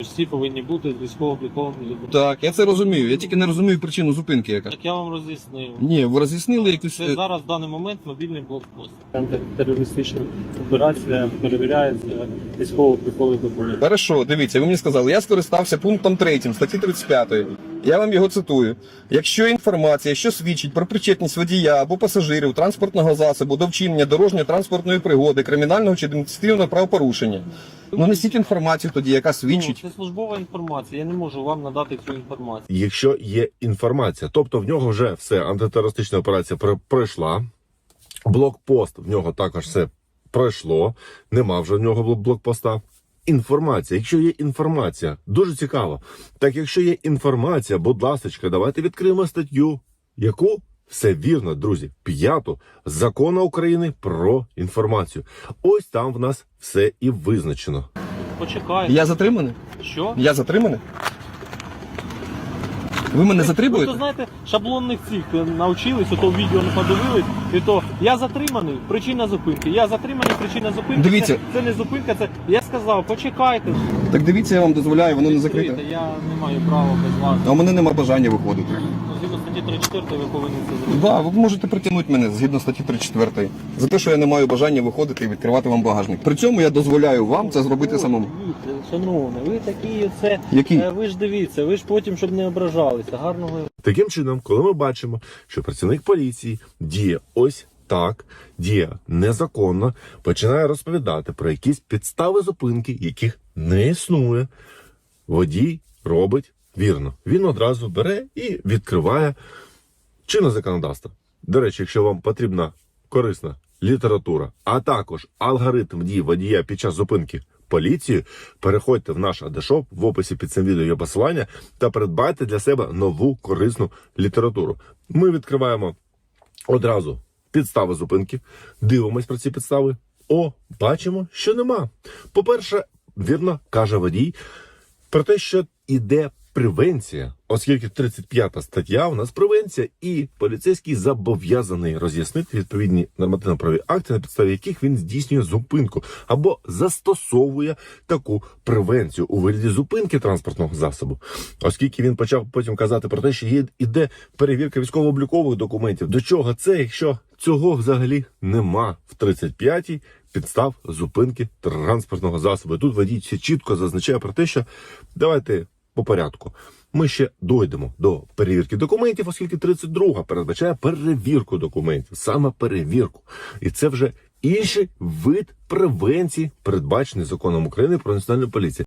Всі повинні бути військово-обліковані. Так, я це розумію. Я тільки не розумію причину зупинки яка. Так я вам роз'яснив. Ні, ви роз'яснили якусь... Це зараз в даний момент мобільний блокпост. Антитерористична операція перевіряється військово-облікові документи. Хорошо, дивіться, ви мені сказали, я скористався пунктом 3 статті 35. Я вам його цитую. Якщо інформація, що свідчить про причетність водія або пасажирів транспортного засобу до вчинення дорожньо-транспортної пригоди, кримінального чи адміністративного правопорушення. Ну несіть інформацію тоді, яка свідчить. Це службова інформація, я не можу вам надати цю інформацію. Якщо є інформація, тобто в нього вже все, антитерористична операція пройшла, блокпост в нього також все пройшло, нема вже в нього блокпоста. Інформація, якщо є інформація, дуже цікаво. Так якщо є інформація, будь ласка, давайте відкриємо статтю, яку? Все вірно, друзі, 5-ту Закону України про інформацію. Ось там в нас все і визначено. Почекайте. Я затриманий? Що? Я затриманий? Ви мене Ви затримуєте? то знаєте, шаблонних цих навчились, то відео не подивились, і то я затриманий, причина зупинки. Я затриманий, причина зупинки. Дивіться. Це не зупинка, це я сказав, почекайте. Так дивіться, я вам дозволяю, воно не закрите. Я не маю права без вас. А у мене нема бажання виходити. Згідно статті 34 ви повинні це зробити. Да, ви можете притягнути мене згідно статті 34. За те, що я не маю бажання виходити і відкривати вам багажник. При цьому я дозволяю вам це зробити самому. Дивіться, шановний, ви такі оце. Які? Ви ж дивіться, ви ж потім, щоб не ображалися. Гарного. Таким чином, коли ми бачимо, що працівник поліції діє ось так, діє незаконно, починає розповідати про якісь підстави зупинки, яких не існує, водій робить вірно. Він одразу бере і відкриває чинне законодавство. До речі, якщо вам потрібна корисна література, а також алгоритм дій водія під час зупинки поліції, переходьте в наш адешоп, в описі під цим відео є посилання, та придбайте для себе нову корисну літературу. Ми відкриваємо одразу підстави зупинки, дивимось про ці підстави. Бачимо, що нема. По-перше, вірно каже водій про те, що іде превенція, оскільки 35 стаття у нас превенція, і поліцейський зобов'язаний роз'яснити відповідні нормативно-правові акти, на підставі яких він здійснює зупинку або застосовує таку превенцію у вигляді зупинки транспортного засобу. Оскільки він почав потім казати про те, що іде перевірка військово-облікових документів. До чого це, якщо цього взагалі нема в 35-й підстав зупинки транспортного засобу. І тут водій чітко зазначає про те, що давайте по порядку. Ми ще дійдемо до перевірки документів, оскільки 32-га передбачає перевірку документів, саме перевірку. І це вже інший вид превенції, передбачений законом України про національну поліцію.